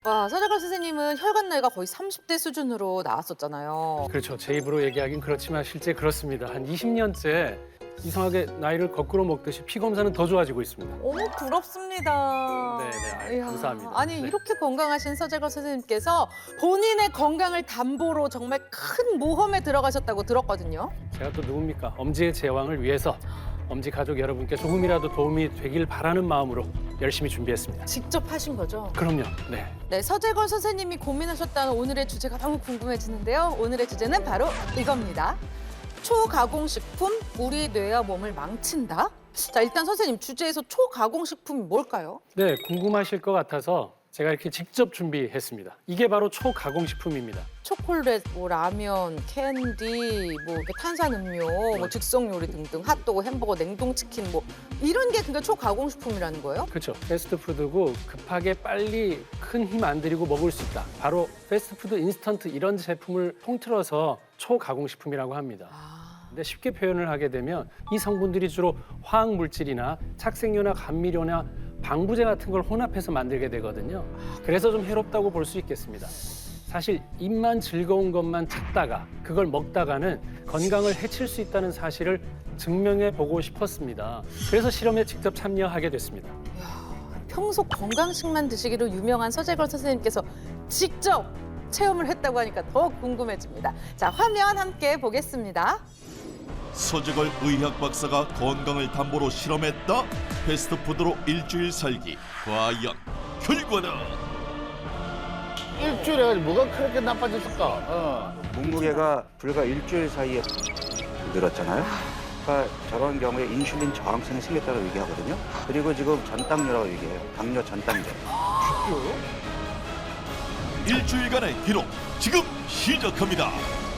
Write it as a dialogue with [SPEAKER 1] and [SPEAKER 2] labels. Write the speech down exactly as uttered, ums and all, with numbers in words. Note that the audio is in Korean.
[SPEAKER 1] 와, 서재걸 선생님은 혈관 나이가 거의 삼십 대 수준으로 나왔었잖아요.
[SPEAKER 2] 그렇죠. 제 입으로 얘기하긴 그렇지만 실제 그렇습니다. 한 이십 년째 이상하게 나이를 거꾸로 먹듯이 피 검사는 더 좋아지고 있습니다.
[SPEAKER 1] 어머, 부럽습니다.
[SPEAKER 2] 네, 네,
[SPEAKER 1] 이야,
[SPEAKER 2] 감사합니다.
[SPEAKER 1] 아니,
[SPEAKER 2] 네.
[SPEAKER 1] 이렇게 건강하신 서재걸 선생님께서 본인의 건강을 담보로 정말 큰 모험에 들어가셨다고 들었거든요.
[SPEAKER 2] 제가 또 누굽니까? 엄지의 제왕을 위해서 엄지 가족 여러분께 조금이라도 도움이 되길 바라는 마음으로 열심히 준비했습니다.
[SPEAKER 1] 직접 하신 거죠?
[SPEAKER 2] 그럼요. 네.
[SPEAKER 1] 네, 서재걸 선생님이 고민하셨다는 오늘의 주제가 너무 궁금해지는데요. 오늘의 주제는 바로 이겁니다. 초가공식품, 우리 뇌와 몸을 망친다? 자, 일단 선생님, 주제에서 초가공식품이 뭘까요?
[SPEAKER 2] 네, 궁금하실 것 같아서 제가 이렇게 직접 준비했습니다. 이게 바로 초가공식품입니다.
[SPEAKER 1] 초콜릿, 뭐 라면, 캔디, 뭐 이렇게 탄산음료, 뭐 즉석 요리 등등, 핫도그, 햄버거, 냉동치킨 뭐 이런 게 그러니까 초가공식품이라는 거예요?
[SPEAKER 2] 그렇죠. 패스트푸드고 급하게 빨리 큰 힘 안 들이고 먹을 수 있다. 바로 패스트푸드, 인스턴트 이런 제품을 통틀어서 초가공식품이라고 합니다.
[SPEAKER 1] 아,
[SPEAKER 2] 근데 쉽게 표현을 하게 되면 이 성분들이 주로 화학 물질이나 착색료나 감미료나 방부제 같은 걸 혼합해서 만들게 되거든요. 그래서 좀 해롭다고 볼 수 있겠습니다. 사실 입만 즐거운 것만 찾다가 그걸 먹다가는 건강을 해칠 수 있다는 사실을 증명해 보고 싶었습니다. 그래서 실험에 직접 참여하게 됐습니다.
[SPEAKER 1] 평소 건강식만 드시기로 유명한 서재걸 선생님께서 직접 체험을 했다고 하니까 더 궁금해집니다. 자, 화면 함께 보겠습니다.
[SPEAKER 3] 서재걸 의학 박사가 건강을 담보로 실험했다. 패스트푸드로 일주일 살기. 과연 결과는?
[SPEAKER 4] 일주일에 가지고 뭐가 그렇게 나빠졌을까? 어.
[SPEAKER 5] 몸무게가 불과 일주일 사이에 늘었잖아요. 그러니까 저런 경우에 인슐린 저항성이 생겼다고 얘기하거든요. 그리고 지금 전당뇨라고 얘기해요. 당뇨 전당뇨.
[SPEAKER 3] 일주일간의 기록 지금 시작합니다.